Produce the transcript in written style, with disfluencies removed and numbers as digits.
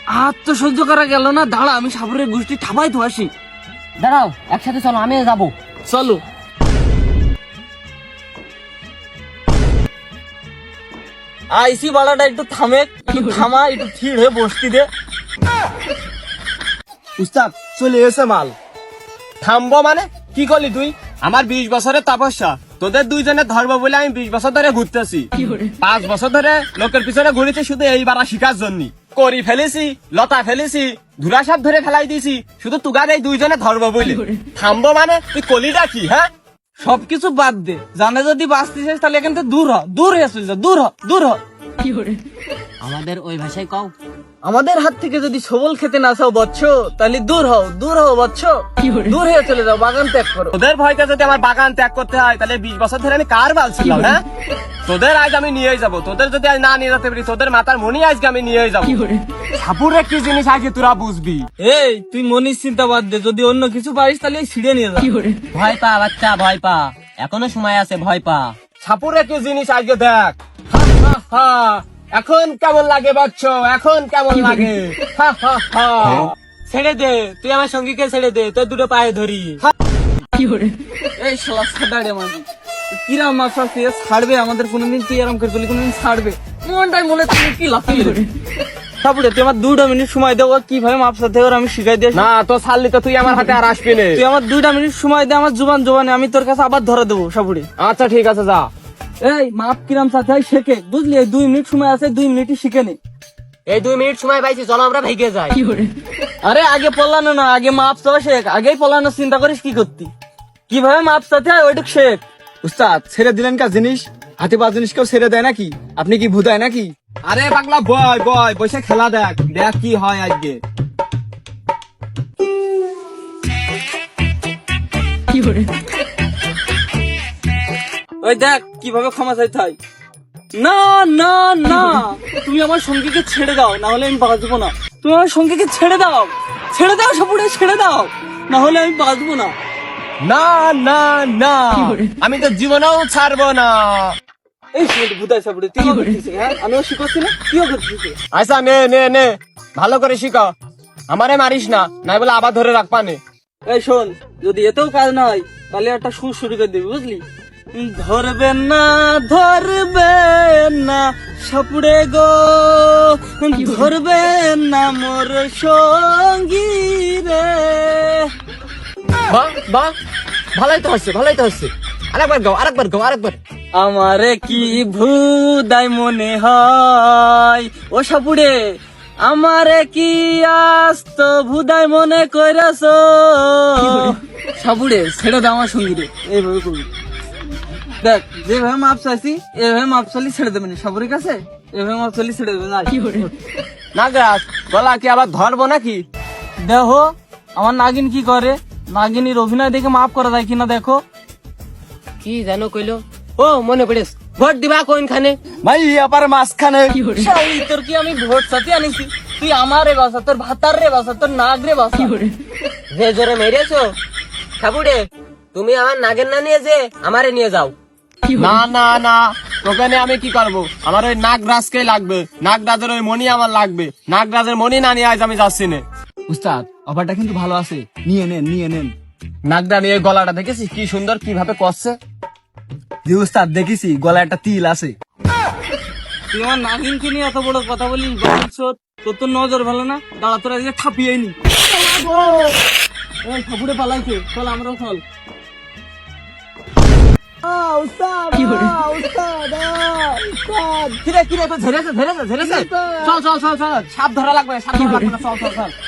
আর তো সহ্য করা গেল না, দাঁড়া আমি সাপুরের গোষ্ঠী ঠাপাই তো আসি। দাঁড়াও, একসাথে চলো, আমিও যাবো। চলো। আইসি বাড়াটা একটু থামে, থামা একটু থির হয়ে বসতি দে। উস্তাদ চলে এসে মাল। থামবো মানে কি করলি তুই? আমার 20 বছরের তপস্যা, তোদের দুইজনের ধর্ম বলে আমি 20 বছর ধরে ঘুরতেছি। 5 বছর ধরে লোকের পিছনে ঘুরেছি শুধু এইবার শিকার জন্য। করি ফেলেছি, লতা ফেলেছি, ধুলা সাপ ধরে ফেলাই দিয়েছি শুধু তুগার এই দুইজনের ধর্ম বলে। থামবো মানে তুই কলিটা কি? হ্যাঁ, সবকিছু বাদ দে, জানে যদি বাঁচতে চাস তাহলে এখান থেকে দূর হ, দূর হয়ে চলে যা, দূর হ, দূর হ। আমাদের ওই ভাষায় কও। আমাদের হাত থেকে যদি সবল খেতে না চাও বচ্চ, তাহলে দূর হও, দূর হও বচ্চ, দূর হয়ে চলে যাও, বাগান ত্যাগ করো। তোদের ভয়তে যদি আমার বাগান ত্যাগ করতে হয় তাহলে 20 বছর ধরে আমি কার বাল ছিলাম? হ্যাঁ, তোদের আজ আমি নিয়েই যাবো। তোদের যদি আজ না নিয়ে যেতে পারি তোদের মাথার মনি আজকে আমি নিয়েই যাবো। সাপুরে কি জিনিস আগে তোরা বুঝবি। এই তুই মনির চিন্তা বাদ দে, যদি অন্য কিছু পারিস তাহলে ছিঁড়ে নিয়ে যা। ভয় পা বাচ্চা, ভয় পা, এখনো সময় আছে, ভয় পা। সাপুরে কি জিনিস আজকে দেখ। হা, হা, হা। এখন কেমন লাগে বাচ্চ, এখন কেমন লাগে? হা, হা, হা। ছেড়ে দে, তুই আমার সঙ্গীকে ছেড়ে দে, তোর দুটো পায়ে ধরি। এই শালা ছাড়ে মানে কিরাম মাছ আছে, ছাড়বে আমাদের কোনোদিন? তুই আরাম করে বলি কোনোদিন ছাড়বে? মনটাই মনে তুমি কি লাফিয়ে তারপরে তুই আমার 2 মিনিট সময় দেবো, কিভাবে মাপ সাথে আমি শিখাই দিয়ে। না তো ছাড়লি তো তুই আমার হাতে আর আসবি না। তুই আমার 2 মিনিট সময় দে, আমার জোবানে আমি তোর কাছে আবার ধরে দেবো সাপুড়ে। আচ্ছা ঠিক আছে, যা। এই মাপ কিরাম সাথে শেখে, বুঝলি? এই 2 মিনিট সময় আছে, 2 মিনিটই শিখে নে। এই 2 মিনিট সময় পাইছি, চলো আমরা ভেগে যাই। আরে আগে পলানো না, আগে মাপ চাওয়া শেখ। আগেই পলানো চিন্তা করিস কি করতি, কিভাবে মাপ চাতে হয় ওইটুক শেখ। উস্তাদ ছেড়ে দিলেন কাজ জিনিস, হাতে পা জিনিস কেউ ছেড়ে দেয় নাকি? আপনি কি ভুতায় নাকি? আরে পাগলা বয় বয়, বসে খেলা দেখ, দেখ কি হয় আজকে। ওই দেখ কিভাবে ক্ষমা চাইতে হয়। না না না, তুমি আমার সঙ্গীকে ছেড়ে দাও, না হলে আমি বাঁচবো না। তুমি আমার সঙ্গীকে ছেড়ে দাও, ছেড়ে দাও সাপুড়ে, ছেড়ে দাও, না হলে আমি বাঁচবো না। না না না, আমি তো জীবনেও ছাড়বো না। এই ভুতাই সাপুড়ে, তুইও করছিস? হ্যাঁ, আমিও শিখাচ্ছি না, তুইও করছিস? আচ্ছা নে নে নে, ভালো করে শিখা, আমারে মারিস না, নাই বলে আবার ধরে রাখবা নে। এই শোন, যদি এতেও কাজ না হয় তাহলে একটা সুর শুরু করে দিবি, বুঝলি? ধরবেন না, ধরবেন না সাপুড়ে গো, ধরবেন না মোর সঙ্গী রে। বাহ বাহ, ভালোই তো হচ্ছে, ভালোই তো হচ্ছে। আরেকবার গাও, আরেকবার গাও, আরেকবার। আমারে কি ভুদাই মনে হয় ও সাপুড়ে, আমারে কি আস্ত ভুদাই মনে কইরাছ সাপুড়ে? ছেড়ে দাও আমার সঙ্গী রে, এইভাবে করবি। দেখ যেভাবে মাপ চাইছি এভাবে মাপ চালি ছেড়ে দেবেন সাপুরের কাছে, এভাবে মাপ চালি ছেড়ে দেবেন। আর না গাছ গলা কি আবার ধরবো নাকি? দেখো আমার নাগিন কি করে, নাগিনীর অভিনয় দেখে মাপ করা যায় কিনা দেখো। কি জানো কইলো? ও মনে পড়েছ, ভোট দিবা কোনখানে? ভাই আবার মাঝখানে। শালি, তোর কি আমি ভোট সাথে আনিছি? তুই আমার রে বাসা, তোর ভাতার রে বাসা, তোর নাগ রে বাসা। যে জোরে মেরেছো সাপুড়ে, তুমি আমার নাগের না নিয়ে যে আমারে নিয়ে যাও। না না না, তোকে নিয়ে আমি কি করবো? আমার ওই নাগরাজকে লাগবে, নাগরাজের ওই মণি আমার লাগবে। নাগরাজের মণি না নিয়ে আজ আমি যাচ্ছি না। উস্তাদ অফারটা কিন্তু ভালো আছে, নিয়ে নেন নিয়ে নেন। নাগরা নিয়ে গলাটা দেখেছিস কি সুন্দর কিভাবে করছে? জি উস্তাদ দেখেছি, গলায় একটা তিল আছে। তুই আমার নাগিনকে নিয়ে এত বড় কথা বলিস, ভবিষ্যৎ তোর তো নজর ভালো না। দাঁড়া তোর আজকে ছাপিয়ে নি। এই ঠাকুরে পালাইছে, চল আমরাও চল। কিরে কিরে, তো ঝেড়েছে ঝেড়েছে ঝেড়েছে। চল চল চল চল, সাপ ধরা লাগবে, সাপ ধরা লাগবে না, চল চল চল।